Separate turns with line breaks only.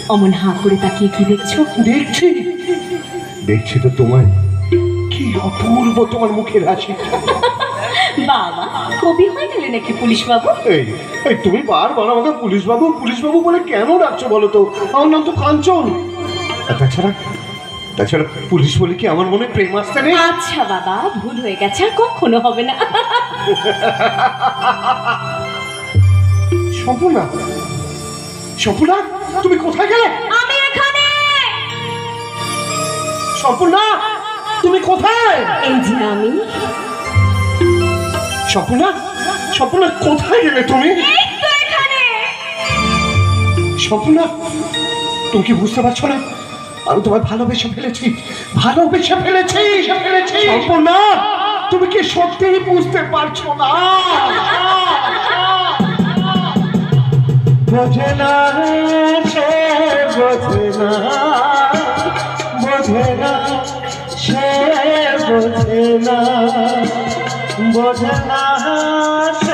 অমন হাঁ করে তাকিয়ে কি দেখছো?
দেখছি দেখছি তো তোমায়, কি অপূর্ব তোমার মুখের হাসি।
বাবা, কবি হয়ে গেলে নাকি পুলিশ বাবু?
এই এই তুমি বারবার আমাকে পুলিশ বাবু বলে কেন ডাকছো বলো তো? আমার নাম তো কাঞ্চন। আর তাছাড়া পুলিশ বলে কি আমার মনে প্রেম আসতে নেই?
আচ্ছা বাবা, ভুল হয়ে গেছে, আর কখনো হবে না।
সম্পূর্ণা, সম্পূর্ণা, তুমি কোথায় গেলে?
আমি এখানে।
সম্পূর্ণা, তুমি কোথায়?
এই যে আমি।
সম্পূর্ণা, সম্পূর্ণা কোথায় গেলে তুমি?
এই তো এখানে।
সম্পূর্ণা, তুমি কি বুঝতে পারছো না? আমি তোমায় ভালোবেসে ফেলেছি। সম্পূর্ণা, তুমি কি সত্যিই বুঝতে পারছো না? বোঝে না সে, বোঝে না, বোঝে না সে, বোঝে না, বোঝে না